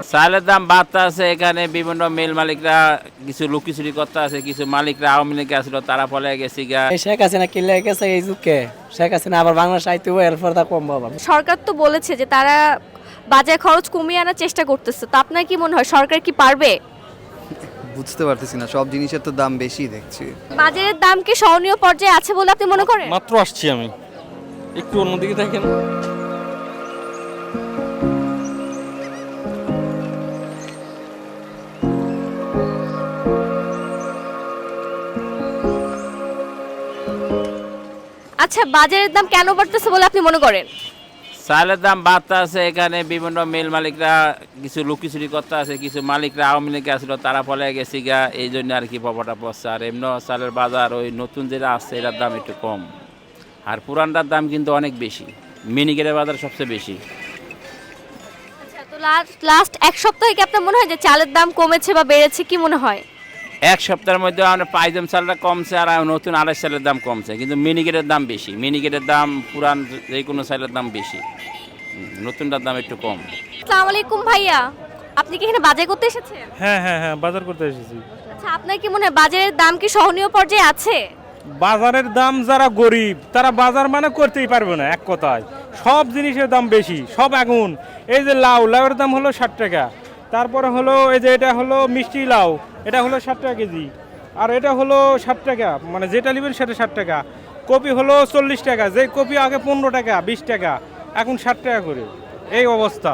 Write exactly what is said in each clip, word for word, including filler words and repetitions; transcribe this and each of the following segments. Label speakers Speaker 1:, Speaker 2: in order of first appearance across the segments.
Speaker 1: চালের দাম বাড়তে আছে, এখানে বিভিন্ন মিল মালিকরা কিছু লুকিচুরি করতে আছে, কিছু মালিকরা আওয়ামী লীগে আসছিল তারা ফলে গেছি গা।
Speaker 2: এই শেখ হাসিনা কিনলে গেছে এই যুগে শেখ হাসিনা আবার বাংলাদেশ আইতে এরপর তা কম পাবো।
Speaker 3: সরকার তো বলেছে যে তারা বাজার খরচ কমিয়ে আনার চেষ্টা করতেছে, তো আপনার কি মনে হয় সরকার কি পারবে?
Speaker 4: বুঝতে পারতেছি না, সব জিনিসের তো দাম বেশি দেখছি।
Speaker 3: বাজারের দাম কি সহনীয় পর্যায়ে আছে বলে আপনি মনে করেন?
Speaker 5: মাত্র আসছি আমি, একটু অন্যদিকে দেখেন।
Speaker 3: আচ্ছা, বাজারের দাম কেন বাড়তেছে বলে আপনি মনে করেন?
Speaker 1: চালের দাম বাড়তে আছে, এখানে বিভিন্ন মিল মালিকরা কিছু লুকিচুরি করতে আছে, কিছু মালিকরা আওয়ামী লীগে আসছিল তারা ফলে গেছি গা, এই জন্য আর কি প্রভাবটা পড়ছে। আর এমনি চালের বাজার ওই নতুন যেটা আসছে এটার দাম একটু কম, আর পুরানটার দাম কিন্তু অনেক বেশি। মিনিকেটের বাজার সবচেয়ে বেশি।
Speaker 3: আচ্ছা, তো লাস্ট এক সপ্তাহে কি আপনার মনে হয় যে চালের দাম কমেছে বা বেড়েছে, কি মনে হয়?
Speaker 1: এক সপ্তাহের মধ্যে আমরা পাইজম চালটা কমছে আর নতুন আড়াই চালের দাম কমছে, কিন্তু মিনিকেটের দাম বেশি। মিনিকেটের দাম পুরান যে কোনো চালের দাম বেশি, নতুনটার দাম একটু কম।
Speaker 3: আসসালামু আলাইকুম ভাইয়া, আপনি কি এখানে বাজার করতে এসেছেন?
Speaker 6: হ্যাঁ হ্যাঁ হ্যাঁ বাজার করতে এসেছি।
Speaker 3: আচ্ছা, আপনার কি মনে হয় বাজারের দাম কি সহনীয় পর্যায়ে আছে?
Speaker 6: বাজারের দাম যারা গরিব তারা বাজার মানে করতেই পারবে না, এক কথায় সব জিনিসের দাম বেশি, সব আগুন। এই যে লাউ, লাউয়ের দাম হলো ষাট টাকা, তারপরে হলো এই যে এটা হলো মিষ্টি লাউ, এটা হলো ষাট টাকা কেজি, আর এটা হলো ষাট টাকা, মানে যেটা নেবেন সেটা ষাট টাকা। কপি হলো চল্লিশ টাকা, যে কপি আগে পনেরো টাকা বিশ টাকা, এখন ষাট টাকা করে, এই অবস্থা।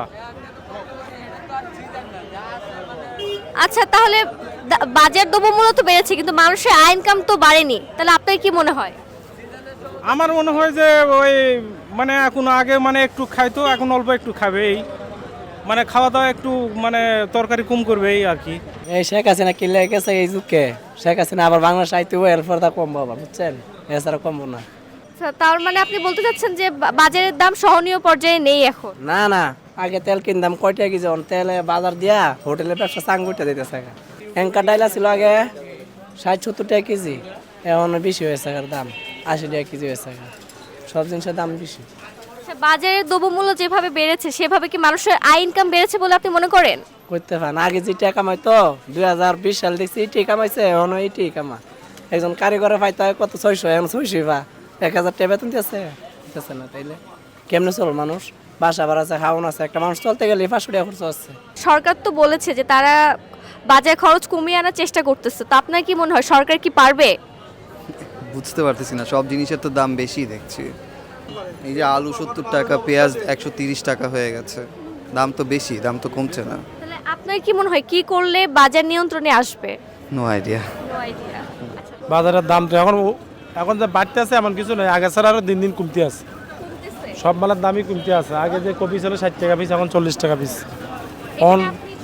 Speaker 3: আচ্ছা, তাহলে দা- বাজার দ্রব্যমূল্য তো বেড়েছে কিন্তু মানুষের আয় ইনকাম তো বাড়েনি, তাহলে আপনার কি মনে হয়?
Speaker 6: আমার মনে হয় যে ওই মানে এখন আগে মানে একটু খাইতো, এখন অল্প একটু খাবে, এই মানে খাওয়া দাওয়া একটু মানে তরকারি কম করবে এই আর কি।
Speaker 2: এই শেখ হাসিনা কিনলে গেছে এই যুগে শেখ হাসিনা আবার বাংলাদেশ আইতে এরপর তা কম পাবো, বুঝছেন? এছাড়া কমবো না।
Speaker 3: আচ্ছা, তার মানে আপনি বলতে চাচ্ছেন যে বা- বাজারের দাম সহনীয় পর্যায়ে নেই এখন?
Speaker 2: না না, আগে তেল কিনতাম কয়টা কেজি, এখন তেলে বাজার দিয়া হোটেলের ব্যবসা চাঙ্গুটা দিতেছে। এঙ্কা ডাইলা ছিল আগে ষাট সত্তর টাকা কেজি, এখন বেশি হয়েছে দাম, আশি টাকা কেজি হয়েছে। সব জিনিসের দাম বেশি।
Speaker 3: আচ্ছা, বাজারের দ্রব্যমূল্য যেভাবে বেড়েছে সেভাবে কি মানুষের আয় ইনকাম বেড়েছে বলে আপনি মনে করেন?
Speaker 2: করতে পারেন, আগে যে টাকা কামাইতো দুই হাজার বিশ সাল দেখছি এইটি কামাইছে, এখন এইটি কামা। একজন কারিগরে পাইতে হয় কত ছয়শো, এখন ছয়শো বা এক হাজার টাকা বেতন দিতেছে দিতেছে না, তাইলে কেমনে চল মানুষ? বাসা ভাড়া আছে, খাওয়ান আছে, একটা মানুষ চলতে গেলে পাঁচশো টাকা খরচ আছে।
Speaker 3: সরকার তো বলেছে যে তারা বাজার খরচ কমিয়ে আনার চেষ্টা করতেছে, তো আপনার কি মনে হয় সরকার কি পারবে?
Speaker 4: বুঝতে পারতেছি না, সব জিনিসের তো দাম বেশি দেখছি। এই যে আলু সত্তর টাকা, পেঁয়াজ একশো তিরিশ টাকা হয়ে গেছে, দাম তো বেশি, দাম তো কমছে না।
Speaker 3: তাহলে আপনার কি মনে হয় কি করলে বাজার নিয়ন্ত্রণে আসবে?
Speaker 4: No idea.
Speaker 3: No idea.
Speaker 6: বাজারের দাম তো এখন এখন যে বাড়তে আছে এমন কিছু নয়, আগে ছাড়া আরও দিন দিন কমতে আছে, সব মালের দামই কমতে আছে। আগে যে কপি ছিল ষাট টাকা পিস, এখন চল্লিশ টাকা পিস। অন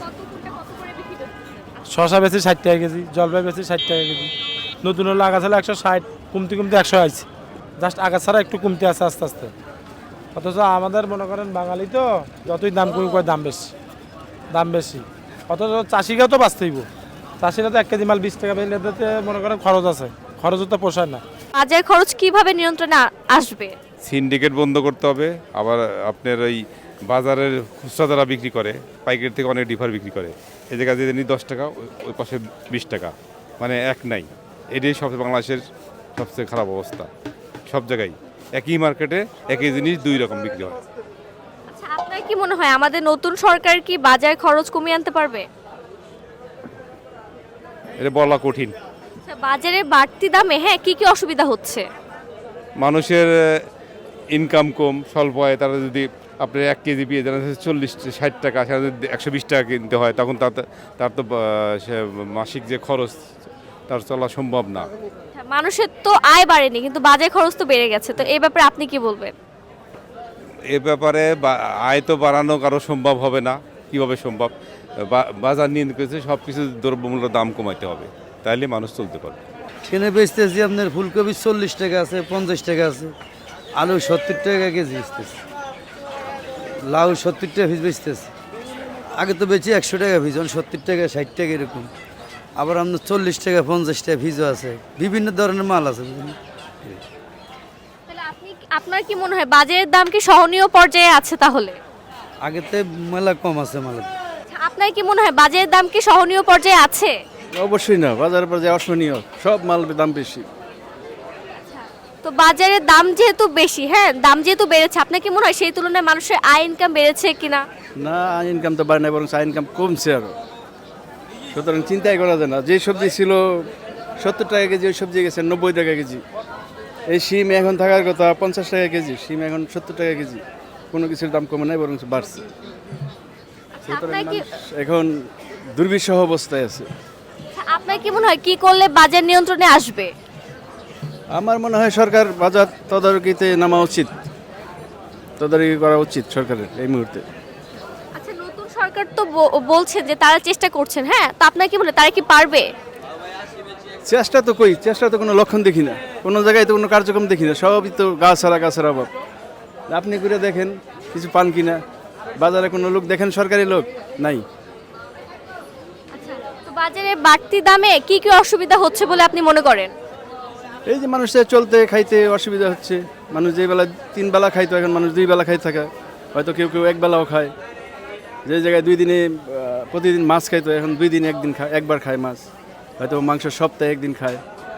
Speaker 6: শশা বেশি ষাট টাকা কেজি, জলপাই বেশি ষাট টাকা কেজি, নতুন হলো আগা ছিল একশো ষাট, কমতে কমতে একশো আছে, জাস্ট আগা ছাড়া একটু কমতে আছে আস্তে আস্তে। অথচ আমাদের মনে করেন বাঙালি তো যতই দাম কমে কয় দাম বেশি, দাম বেশি। অথচ চাষিকেও তো বাঁচতে হইব, চাষিরা তো এক কেজি মাল বিশ টাকা পেলে মনে করেন খরচ আছে, খরচও তো পোষায় না।
Speaker 3: বাজার খরচ কিভাবে নিয়ন্ত্রণে আ- আসবে?
Speaker 7: সিন্ডিকেট বন্ধ করতে হবে। আবার আপনার ওই বাজারের খুচরা যারা বিক্রি করে পাইকারি থেকে অনেক ডিফার বিক্রি করে, এই জায়গায় যদি নিই দশ টাকা, ওই- ওই পাশে বিশ টাকা, মানে এক নাই। এটাই সবচেয়ে বাংলাদেশের সবচেয়ে খারাপ অবস্থা। সব জায়গায় একই মার্কেটে একই জিনিস দুই রকম বিক্রি হয়।
Speaker 3: আচ্ছা, আপনার কি মনে হয় আমাদের নতুন সরকার কি বাজার খরচ কমিয়ে আনতে পারবে?
Speaker 7: এটা বলা কঠিন।
Speaker 3: আচ্ছা, বাজারের বাড়তি দামে হ্যাঁ কি কি অসুবিধা হচ্ছে?
Speaker 7: মানুষের ইনকাম কম, স্বল্প হয়, তারা যদি আপনার এক কেজি পেয়ে যারা চল্লিশ ষাট টাকা, সেটা যদি একশো বিশ টাকা কিনতে হয়, তখন তার তো- তার তো আহ, সে মাসিক যে খরচ তার চলা সম্ভব না।
Speaker 3: হ্যাঁ, মানুষের তো আয় বাড়েনি কিন্তু বাজার খরচ তো বেড়ে গেছে, তো এই ব্যাপারে আপনি কি বলবেন?
Speaker 7: এ ব্যাপারে বা- আয় তো বাড়ানো কারো সম্ভব হবে না। কিভাবে সম্ভব? বা- বাজার নিয়ন্ত্রণ করেছে, সব কিছু দ্রব্যমূল্যের দাম কমাইতে হবে, তাইলে মানুষ চলতে পারবে।
Speaker 8: কিনে বেচতেছি আপনার ফুলকপি চল্লিশ টাকা আছে, পঞ্চাশ টাকা আছে, আলু সত্তর টাকা কেজি বেচতেছি, লাউ সত্তর টাকা পিস বেচতেছি। আগে তো বেচি একশো টাকা পিস, এখন সত্তর টাকা ষাট টাকা এরকম। আবার আপনার চল্লিশ টাকা পঞ্চাশ টাকা পিসও আছে, বিভিন্ন ধরনের মাল আছে।
Speaker 3: তাহলে আপনি আপনার কি মনে হয় বাজারের দাম কি সহনীয় পর্যায়ে আছে তাহলে?
Speaker 8: আগেতে মেলা কম আছে মালের।
Speaker 3: আচ্ছা, আপনার আপনার কি মনে হয় বাজারের দাম কি সহনীয় পর্যায়ে আছে?
Speaker 9: অবশ্যই না, বাজারের পর্যায়ে অসহনীয়, সব মাল দাম বেশি।
Speaker 3: তো বাজারের দাম যেহেতু বেশি, হ্যাঁ দাম যেহেতু বেড়েছে, আপনার কি মনে হয় সেই তুলনায় মানুষের আয় ইনকাম বেড়েছে কিনা?
Speaker 9: না, ইনকাম তো বাড়ে না, বরং ইনকাম কমছে আরো। সুতরাং চিন্তাই করা যায় না, যে সবজি ছিল সত্তর টাকা কেজি, ওই সবজি গেছে নব্বই টাকা কেজি। এই শিম এখন থাকার কথা পঞ্চাশ টাকা কেজি, শিম এখন সত্তর টাকা কেজি। কোনো কিছুর দাম কমে নাই, বরং বাড়ছে। সুতরাং
Speaker 3: আপনার কি
Speaker 9: মানুষ এখন দুর্বিষহ অবস্থায় আছে।
Speaker 3: আপনার কি মনে হয় কি করলে বাজার নিয়ন্ত্রণে আসবে?
Speaker 9: আমার মনে হয় সরকার বাজার তদারকিতে নামা উচিত, তদারকি করা উচিত সরকারের এই মুহূর্তে।
Speaker 3: আচ্ছা, নতুন সরকার তো ব- বলছেন যে তারা চেষ্টা করছেন, হ্যাঁ তো আপনার কি মনে হয় তারা কি পারবে?
Speaker 9: চেষ্টা তো কই, চেষ্টা তো কোনো লক্ষণ দেখি না, কোনো জায়গায় তো কোনো কার্যক্রম দেখি না, সবই তো গাছ ছাড়া গাছের অভাব। আপনি ঘুরে দেখেন কিছু পান কিনা, বাজারে কোনো লোক দেখেন সরকারি লোক নাই।
Speaker 3: আচ্ছা, তো বাজারে বাড়তি দামে কি কি অসুবিধা হচ্ছে বলে আপনি মনে করেন?
Speaker 9: এই যে মানুষের চলতে খাইতে অসুবিধা হচ্ছে, মানুষ যে বেলা তিন বেলা খাইতো এখন মানুষ দুই বেলা খাই থাকে, হয়তো কেউ কেউ এক বেলাও খায়। যে জায়গায় দুই দিনে আহ, প্রতিদিন মাছ খাইতো এখন দুই দিন একদিন খায়, একবার খায় মাছ, হয়তো মাংস সপ্তাহে একদিন খায়।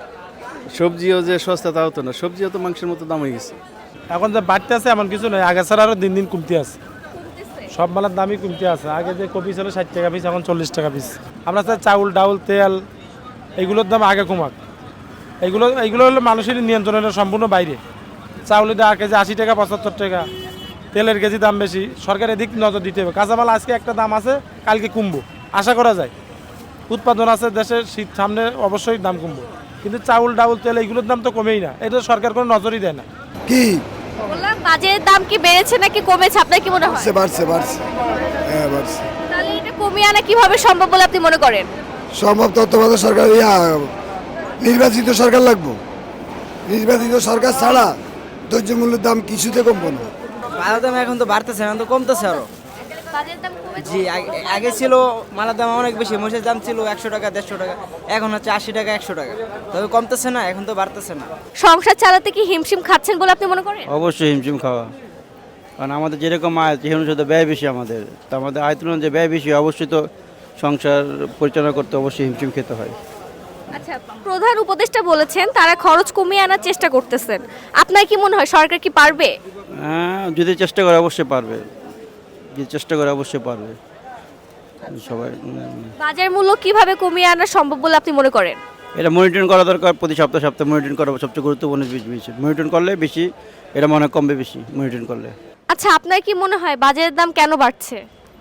Speaker 9: সবজিও যে সস্তা তা হতো না, সবজিও তো মাংসের মতো দাম হয়ে গেছে।
Speaker 6: এখন যে বাড়তে আছে এমন কিছু নয়, আগে ছাড়া আরও দিন দিন কমতে আছে, সব মালের দামই কমতে আছে। আগে যে কপি ছিল ষাট টাকা পিস, এখন চল্লিশ টাকা পিস। আমরা চাই চাউল ডাউল তেল এইগুলোর দাম আগে কমাক। এইগুলো এইগুলো হলো মানুষের নিয়ন্ত্রণের সম্পূর্ণ বাইরে। চাউলের দাম কেজি আশি টাকা পঁচাত্তর টাকা, তেলের কেজি দাম বেশি, সরকার এদিক নজর দিতে হবে। কাঁচামাল আজকে একটা দাম আছে, কালকে কমবো আশা করা যায়। উৎপাদন আছে দেশের, শীত সামনে অবশ্যই দাম কমবো, কিন্তু চাউল ডাউল তেল এইগুলোর দাম তো কমেই না, এটা সরকার কোনো নজরই দেয় না।
Speaker 10: কি
Speaker 3: বললাম বাজারের দাম কি বেড়েছে নাকি কমেছে, আপনার কি মনে হয়?
Speaker 10: বাড়ছে বাড়ছে বাড়ছে হ্যাঁ বাড়ছে।
Speaker 3: তাহলে এটা কমিয়ে আনা কিভাবে সম্ভব বলে আপনি মনে করেন?
Speaker 10: সম্ভব তত্ত্বাবধায়ক সরকার, ইয়া নির্বাচিত সরকার লাগবো। নির্বাচিত সরকার ছাড়া দ্রব্য মূল্যের দাম কিছুতে কমবো না।
Speaker 2: মালের দাম এখন তো বাড়তেছে, এখন তো কমতেছে আরো।
Speaker 3: বাজারের দাম কমেছে?
Speaker 2: জি, আগে- আগে ছিল মালের দাম অনেক বেশি, মহিষের দাম ছিল একশো টাকা দেড়শো টাকা, এখন হচ্ছে আশি টাকা একশো টাকা। তবে কমতেছে না, এখন তো বাড়তেছে না।
Speaker 3: সংসার চালাতে কি হিমশিম খাচ্ছেন বলে আপনি মনে করেন?
Speaker 8: অবশ্যই হিমশিম খাওয়া, কারণ আমাদের যেরকম আয় সেই অনুসারে ব্যয় বেশি আমাদের, তো আমাদের আয় তুলনায় যে ব্যয় বেশি, অবশ্যই তো সংসার পরিচালনা করতে অবশ্যই হিমশিম খেতে হয়।
Speaker 3: আচ্ছা, প্রধান উপদেষ্টা বলেছেন তারা খরচ কমিয়ে আনার চেষ্টা করতেছেন, আপনার কি মনে হয় সরকার কি পারবে?
Speaker 8: হ্যাঁ, যদি চেষ্টা করে অবশ্যই পারবে, যদি চেষ্টা করে অবশ্যই পারবে সবাই। উম,
Speaker 3: বাজার মূল্য কিভাবে কমিয়ে আনা সম্ভব বলে আপনি মনে করেন?
Speaker 8: এটা মনিটরিং করা দরকার, প্রতি সপ্তাহে সপ্তাহে মনিটরিং করা সবচেয়ে গুরুত্বপূর্ণ বিষয়। মনিটরিং করলে বেশি, এটা মনে হয় কমবে বেশি মনিটরিং করলে।
Speaker 3: আচ্ছা, আপনার কি মনে হয় বাজারের দাম কেন বাড়ছে?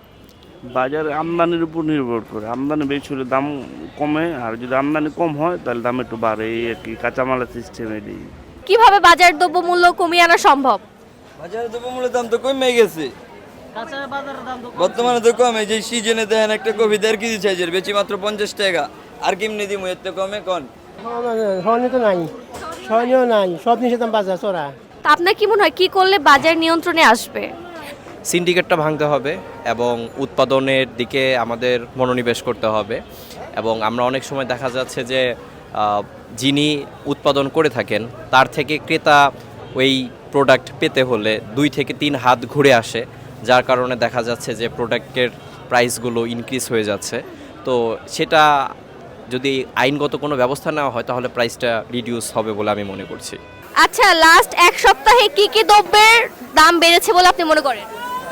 Speaker 11: বাজার আমদানির উপর নির্ভর করে, আমদানি বেশি হলে দাম কমে, আর যদি আমদানি কম হয় তাহলে দাম একটু বাড়ে, এই আর কি কাঁচামালের সিস্টেম এটাই।
Speaker 3: কিভাবে বাজার দ্রব্য মূল্য কমিয়ে আনা সম্ভব?
Speaker 12: বাজারে দ্রব্যমূল্যের দাম তো কমে গেছে, বর্তমানে তো কমে। যে সিজনে দেখেন একটা কপি দেড় কেজি সাইজের বেচি মাত্র পঞ্চাশ টাকা, আর কেমনি দিমু এর তো কমে কন।
Speaker 2: সহনীয় তো নাই, সহনীয় নাই, সব জিনিসের দাম বাজার চড়া।
Speaker 3: তা আপনার কি মনে হয় কি করলে বাজার নিয়ন্ত্রণে আসবে?
Speaker 13: সিন্ডিকেটটা ভাঙতে হবে এবং উৎপাদনের দিকে আমাদের মনোনিবেশ করতে হবে। এবং আমরা অনেক সময় দেখা যাচ্ছে যে আহ, যিনি উৎপাদন করে থাকেন তার থেকে ক্রেতা ওই প্রোডাক্ট পেতে হলে দুই থেকে তিন হাত ঘুরে আসে, যার কারণে দেখা যাচ্ছে যে প্রোডাক্টের প্রাইসগুলো ইনক্রিজ হয়ে যাচ্ছে। তো সেটা যদি আইনগত কোনো ব্যবস্থা নেওয়া হয় তাহলে প্রাইসটা রিডিউস হবে বলে আমি মনে করছি।
Speaker 3: আচ্ছা, লাস্ট এক সপ্তাহে কি কি দ্রব্যের দাম বেড়েছে বলে আপনি মনে করেন?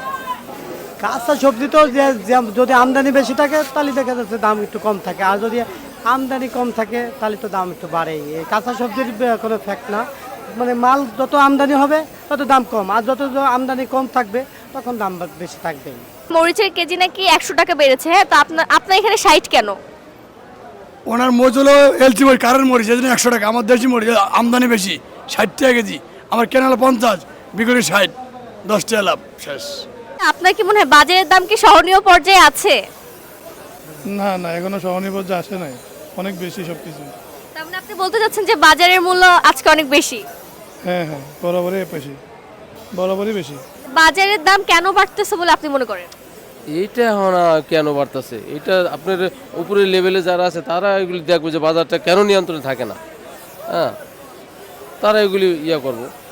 Speaker 2: কাঁচা সবজি তো যে- যে- যদি আমদানি বেশি থাকে তাহলে দেখা যাচ্ছে দাম একটু কম থাকে, আর যদি আমদানি কম থাকে তাহলে তো দাম একটু বাড়ে। এই কাঁচা সবজির বে- কোনো ফ্যাক্ট না, মানে মাল যত আমদানি হবে তত দাম কম, আর যত য- আমদানি কম থাকবে তখন দাম বা- বেশি থাকবে।
Speaker 3: মরিচের কেজি নাকি একশো টাকা বেড়েছে, হ্যাঁ তো আপনার আপনার এখানে ষাট কেন?
Speaker 10: ওনার মরিচ হলো এলচি মরিচ, কারেন্ট মরিচ, এই জন্য একশো টাকা। আমার দেশি মরিচ আমদানি বেশি, ষাট টাকা কেজি, আমার কেনালে পঞ্চাশ, বিক্রি ষাট, দশ টাকা লাভ শেষ।
Speaker 3: আপনার কি মনে হয় বাজারের দাম কি সহনীয় পর্যায়ে আছে?
Speaker 9: না না, এখনো সহনীয় পর্যায়ে আসে নাই, অনেক বেশি সব কিছু।
Speaker 3: তার মানে আপনি বলতে চাচ্ছেন যে বাজারের মূল্য আজকে অনেক বেশি?
Speaker 9: হ্যাঁ হ্যাঁ, বরাবরই বেশি, বরাবরই বেশি।
Speaker 3: বাজারের দাম কেন বাড়তেছে বলে আপনি মনে করেন?
Speaker 5: এইটা এখন আর কেন বাড়তেছে, এটা আপনার উপরের লেভেলে যারা আছে তারা এগুলি দেখবে যে বাজারটা কেন নিয়ন্ত্রণে থাকে না, হ্যাঁ তারা এগুলি ইয়া করবো।